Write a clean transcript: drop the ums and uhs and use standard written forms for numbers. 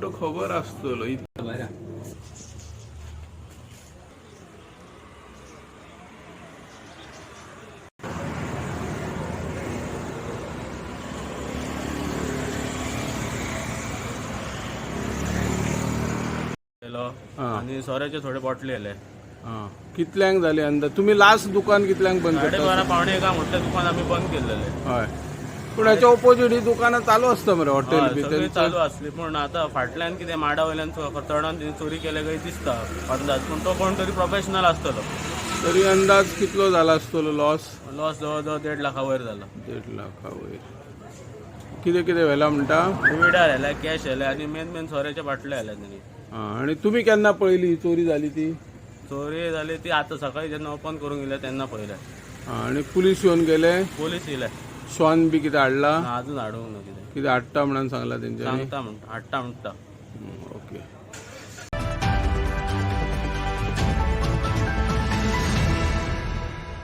तेंच्यो खबर आसतलो आणि सोऱ्याचे थोडे बॉटली आले. कितल्यांक जाले अंदाज? तुम्ही लास्ट दुकान कितल्यांक बंद करता? 12:30 पावणे एका मोठे दुकान आम्ही बंद केलेले. हय, पूण हेच्या ऑपोजीट ही दुकानां चालू असता मरे हॉटेल बी सगळी चालू असली. पण आता फाटल्यान कितें माडा वयल्यान चढान चोरी केले काही दिसता अंदाज. पण तो कोण तरी प्रोफेशनल असतलो. तरी अंदाज कितलो झाला असतलो लॉस? लॉस जवळजवळ 1.5 लाखा वयर झाला. 1.5 लाखा वयर. कितें कितें व्हेला म्हणटा? डिविडार आयला, कॅश आयले आणि मेन सोऱ्याचे बाटले आयले त्यांनी. आणि तुम्ही केन्ना पळयली ही चोरी जाली ती? चोरी झाली ती आता सकाळी जेन्ना ओपन करूंक गेले तेन्ना पळयले. आणि पुलीस येवन गेले? पोलीस येयले. श्वान बी कितें हाडला? अजून हाडूंक ना. कितें हाडटा म्हणून सांगला तेंच्यांनी? सांगता म्हणटा, हाडटा म्हणटा.